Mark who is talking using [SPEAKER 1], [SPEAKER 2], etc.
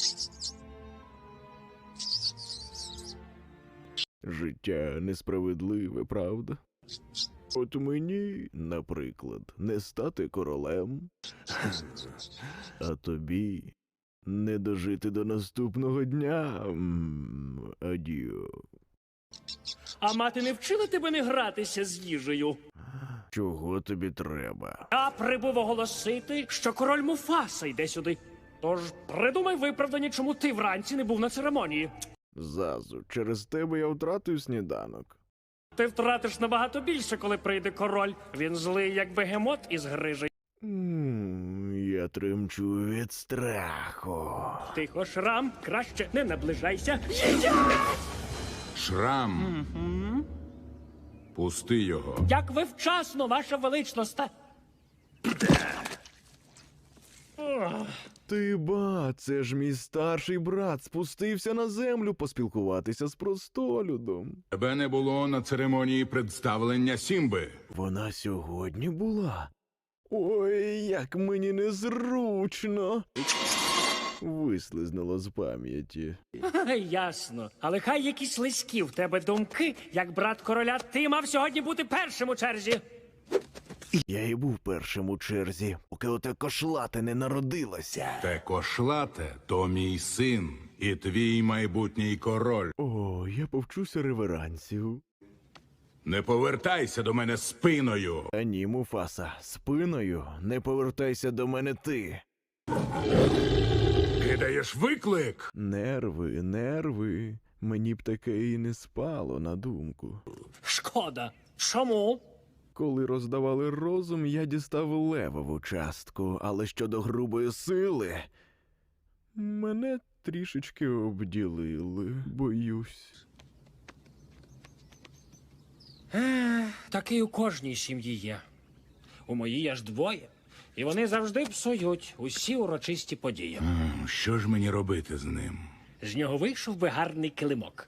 [SPEAKER 1] Життя несправедливе, правда? От мені, наприклад, не стати королем, а тобі не дожити до наступного дня. Адіо.
[SPEAKER 2] А мати не вчила тебе не гратися з їжею?
[SPEAKER 1] Чого тобі треба?
[SPEAKER 2] Я прибув оголосити, що король Муфаса йде сюди. Тож придумай виправдання, чому ти вранці не був на церемонії.
[SPEAKER 1] Зазу, через тебе я втратив сніданок.
[SPEAKER 2] Ти втратиш набагато більше, коли прийде король. Він злий, як бегемот із грижею.
[SPEAKER 1] Я тремчу від страху.
[SPEAKER 2] Тихо, Шрам, краще не наближайся.
[SPEAKER 3] Шрам. Пусти його.
[SPEAKER 2] Як ви вчасно, ваша величність.
[SPEAKER 1] Ти ба, це ж мій старший брат спустився на землю поспілкуватися з простолюдом.
[SPEAKER 3] Тебе не було на церемонії представлення Сімби.
[SPEAKER 1] Вона сьогодні була. Ой, як мені незручно. Вислизнуло з пам'яті.
[SPEAKER 2] Ясно. Але хай якісь слизькі в тебе думки, як брат короля, ти мав сьогодні бути першим у черзі.
[SPEAKER 1] Я і був першим у черзі, поки оте кошлате не народилося.
[SPEAKER 3] Те кошлате – то мій син і твій майбутній король.
[SPEAKER 1] О, я повчуся реверансів.
[SPEAKER 3] Не повертайся до мене спиною.
[SPEAKER 1] А ні, Муфаса, спиною не повертайся до мене ти.
[SPEAKER 3] Кидаєш виклик?
[SPEAKER 1] Нерви, нерви. Мені б таке і не спало на думку.
[SPEAKER 2] Шкода. Чому?
[SPEAKER 1] Коли роздавали розум, я дістав левову частку, але щодо грубої сили, мене трішечки обділили, боюсь.
[SPEAKER 2] Такий у кожній сім'ї є. У моїй аж двоє. І вони завжди псують усі урочисті події.
[SPEAKER 3] Що ж мені робити з ним?
[SPEAKER 2] З нього вийшов би гарний килимок.